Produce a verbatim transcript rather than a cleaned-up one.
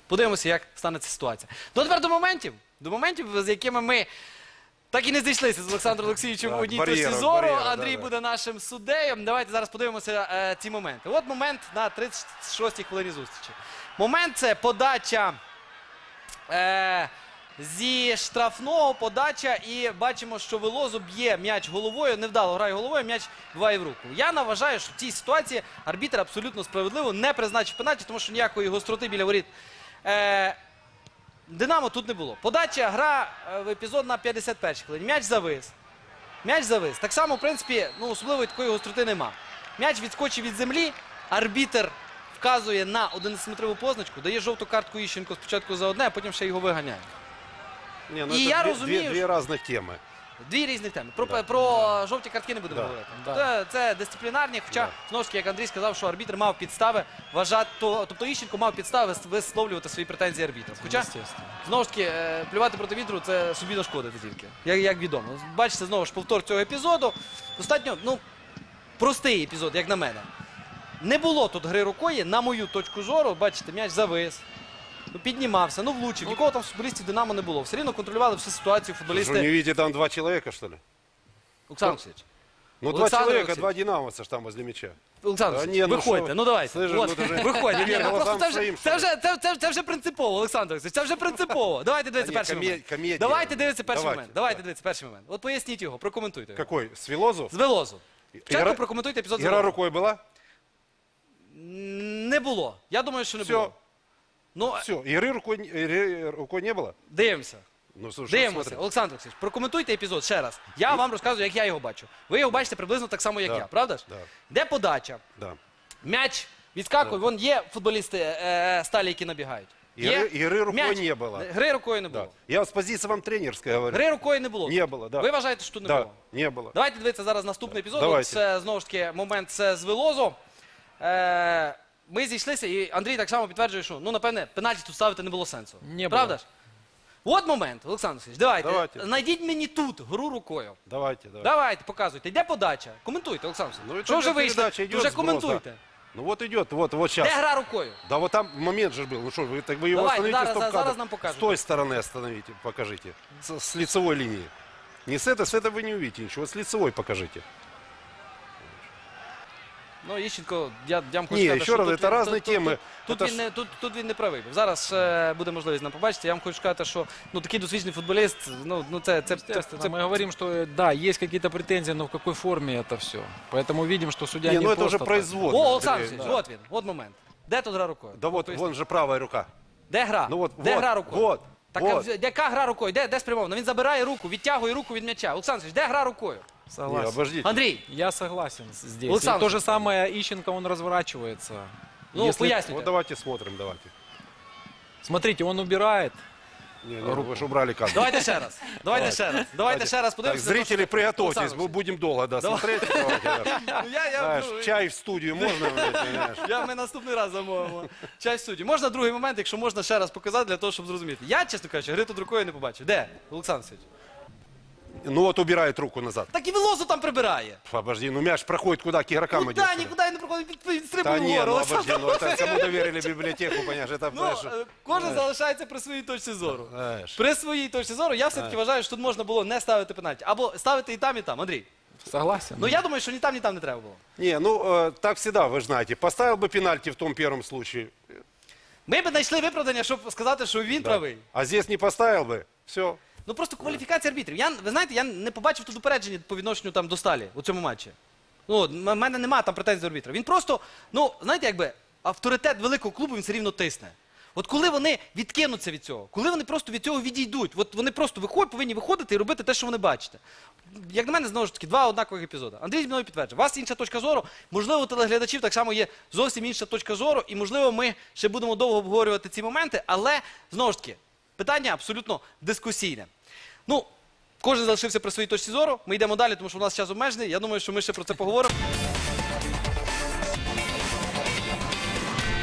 Подивимося, як станеться ситуація. Ну, тепер до моментів, до моментів, з якими ми так і не зійшлися з Олександром Олексійовичем в одній точці зору. Андрій буде нашим суддею. Давайте зараз подивимося е, ці моменти. От момент на тридцять шостій хвилині зустрічі. Момент – це подача е, зі штрафного, подача, і бачимо, що Велозу б'є м'яч головою, невдало грає головою, м'яч биває в руку. Я вважаю, що в цій ситуації арбітр абсолютно справедливо не призначив пенальті, тому що ніякої гостроти біля воріт е, Динамо тут не було. Подача, гра в епізод на п'ятдесят першій хвилині. М'яч завис. М'яч завис. Так само, в принципі, ну, особливої такої гостроти нема. М'яч відскочив від землі, арбітр вказує на одинадцятиметрову позначку, дає жовту картку Іщенко спочатку за одне, а потім ще його виганяє. Не, ну І это я две, розумію, две, две разных темы. Дві різні теми. Про, Да. про жовті картки не будемо Да. говорити. Да. Це, це дисциплінарні, хоча, Да. знову ж таки, як Андрій сказав, що арбітр мав підстави вважати, то, тобто Іщенко мав підстави висловлювати свої претензії арбітру. Хоча, Естественно. знову ж таки, е, плювати проти вітру – це собі нашкодити тільки, як, як відомо. Бачите, знову ж повтор цього епізоду. Достатньо, ну, простий епізод, як на мене. Не було тут гри рукою, на мою точку зору, бачите, м'яч завис. Ну, піднімався, ну влучив. Нікого там з футболістів Динамо не було. Все рівно контролювали всю ситуацію Что, футболісти. не видите, там два человека, что ли? Олександр Олексійович. Ну, два Олександр человека, Олексійович. два динамовца ж там возле мяча. Олександр Та Олексійович, ні, ну виходьте, що? ну давайте. Слышиш, От, ну, ти ж виходьте. Ні, вірно ну, просто глазам це вже, своїм, це, що вже, це, це, це вже принципово, Олександр Олексійович, це вже принципово. Давайте дивитися Та ні, перший комедія, момент. комедія. Давайте дивитися перший Давайте, момент. Давайте так. дивитися перший момент. От поясніть його, прокоментуйте його. Какой? С Вилозу? З Велозу. Спочатку Ігра- прокоментуйте епізод з Игра Велозу. рукой была? Не було. Я думаю, що не Все. було. Ну, Все, игры рукой, игры рукой не было? дивимося. Ну, слушай, Дивимося. смотри. Олександр Олексійович, прокоментуйте епізод ще раз. Я вам розказую, як я його бачу. Ви його бачите приблизно так само, як Да. я, правда ж? Да. Де подача? Да. М'яч відскакує, вон є футболісти е, сталі, які набігають. Игры, игры рукой М'яч. не было. Гри рукою не Да. було. Я вот с позиции вам тренерской говорю. Гри рукою не було. Не було, да. Ви вважаєте, що не Да, було? не было. Давайте дивитися зараз наступний епізод. Давайте. От це, знову ж таки, момент це з Велозу. Е, ми зійшлися, і Андрій так само підтверджує, що, ну, напевне, пенальті тут ставити не було сенсу. Не Правда було. ж? От момент, Олександр Олексійович, давайте. Давайте. Знайдіть мені тут гру рукою. Давайте, давайте. Давайте, показуйте. Де подача? Коментуйте, Олександр Ну, Олексійович. це Що вже де вийшли? передача, То йде вже зброс, коментуйте. Ну вот идет, вот, вот Де сейчас. гра рукою? Да вот там момент же был. Ну что, вы, так вы его Давайте, остановите, зараз- стоп зараз кадр. нам покажете. С той стороны остановите, покажите. С, с лицевой линии. Не с этой, с этой вы не увидите ничего. С лицевой покажите. Ну, Іщенко, я, я вам хочу Ні, сказати, ще що раз, тут, це він- різні тут, теми. Тут, Це тут, він ж- не, тут, тут він не правий був. Зараз е, буде можливість нам побачити. Я вам хочу сказати, що ну, такий досвідчений футболіст, ну, ну це, це, це, Естественно, це, мы говорим, что да, есть какие-то претензии, но в какой форме это все. Поэтому видим, что судья Не, не ну это просто уже так. производно. О, Олександр Андрей, Олексійович, от він, от момент. Де тут гра рукою? Да вот, Поясніть. вон же правая рука. Де гра? Ну от, де вот, гра рукою? вот, Так, вот. а яка гра рукою? Де, де спрямовано? Він забирає руку, відтягує руку від м'яча. Олександр Олексійович, де гра рукою? Не, Согласен. обождите. Андрій, Я согласен с- здесь. Александр И то же Александрович. самое Ищенко, он разворачивается. ну, Если- пояснюйте. Вот давайте смотрим, давайте. Смотрите, он убирает. Не, не, вы же убрали кадр. Давайте ще раз. Давайте ще раз. Давайте ще раз Так, подивимося. зрители, приготовьтесь, Олександр мы будем долго да, смотреть. Давайте, да. Ну, я, я, Знаешь, ну, чай в студию можно, блядь, понимаешь? Я ми наступний раз замовимо. Часть судді. Можна другий момент, якщо можна ще раз показати, для того, щоб зрозуміти. Я, чесно кажучи, гри тут рукою не побачив. Де? Олександр Олексійович? Ну вот убирает руку назад. Так і Велозу там прибирає. Обожди, ну мяч проходит куда? К игрокам идет. Куда, что ли? нікуди не проходить, від- Да відстрибує не, вгору. ну Олександр. обожди, ну это кому доверили библиотеку, понимаешь, это, Ну, знаешь, е, кожен залишається при своїй точці зору. знаешь. При своїй точці зору я все-таки вважаю, що тут можна було не ставити пенальті. Або ставити і там, і там. Андрій. Согласен. Ну я думаю, що ні там, ні там не треба було. Не, ну э, так всегда, вы же знаете. Поставил бы пенальти в том первом случае. Ми б знайшли виправдання, щоб сказати, що він да. правий. А здесь не поставил бы, все. Ну просто кваліфікація арбітрів. Я, ви знаєте, я не побачив тут упередження по відношенню там до Сталі у цьому матчі. Ну, от, в мене немає там претензій до арбітра. Він просто, ну, знаєте, якби авторитет великого клубу він все рівно тисне. От коли вони відкинуться від цього, коли вони просто від цього відійдуть, от вони просто виходять, повинні виходити і робити те, що вони бачите. Як на мене, знову ж таки, два однакових епізоди. Андрій зі мною підтверджує, у вас інша точка зору, можливо, у телеглядачів так само є зовсім інша точка зору, і, можливо, ми ще будемо довго обговорювати ці моменти, але, знову ж таки, питання абсолютно дискусійне. Ну, кожен залишився при своїй точці зору, ми йдемо далі, тому що у нас час обмежений, я думаю, що ми ще про це поговоримо.